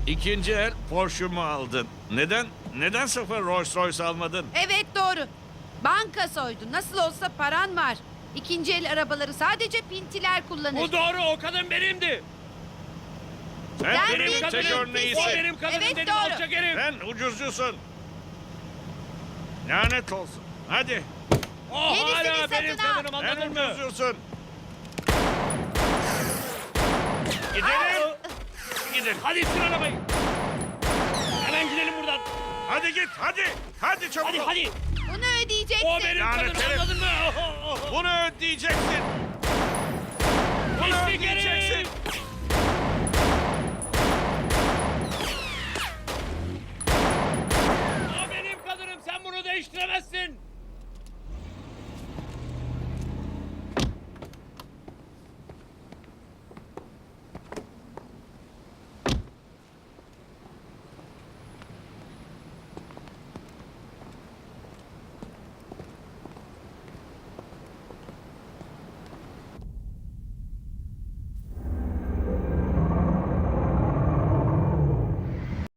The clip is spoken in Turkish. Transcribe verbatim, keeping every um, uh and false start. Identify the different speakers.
Speaker 1: İkinci el Porsche'mu aldın. Neden? Neden sıfır Rolls Royce almadın?
Speaker 2: Evet doğru. Banka soydun. Nasıl olsa paran var. İkinci el arabaları sadece pintiler kullanır.
Speaker 3: Bu doğru, o kadın benimdi.
Speaker 1: Sen
Speaker 2: Ben
Speaker 1: benim
Speaker 2: bir
Speaker 1: tek
Speaker 2: pintisin.
Speaker 1: örneğisin.
Speaker 3: O benim kadınım
Speaker 2: Evet,
Speaker 3: dedim,
Speaker 2: doğru.
Speaker 3: alçak herif.
Speaker 1: Sen ucuzcusun. Lanet olsun. Hadi.
Speaker 3: O
Speaker 2: Yenisini
Speaker 3: hala
Speaker 2: satın
Speaker 3: benim
Speaker 2: al.
Speaker 3: kadınım,
Speaker 1: Sen
Speaker 3: anladın mı?
Speaker 1: ucuzcusun. Gidelim. Gidelim.
Speaker 3: Hadi sür arabayı. Hemen gidelim buradan.
Speaker 1: Hadi git. Hadi. Hadi çabuk.
Speaker 3: Hadi
Speaker 1: ol.
Speaker 3: hadi.
Speaker 2: Bunu ödeyeceksin.
Speaker 3: O benim
Speaker 1: Lanet
Speaker 3: kadınım,
Speaker 1: herif.
Speaker 3: anladın mı? Oh, oh, oh.
Speaker 1: Bunu ödeyeceksin. Bunu
Speaker 3: Pislik
Speaker 1: ödeyeceksin.
Speaker 3: herif.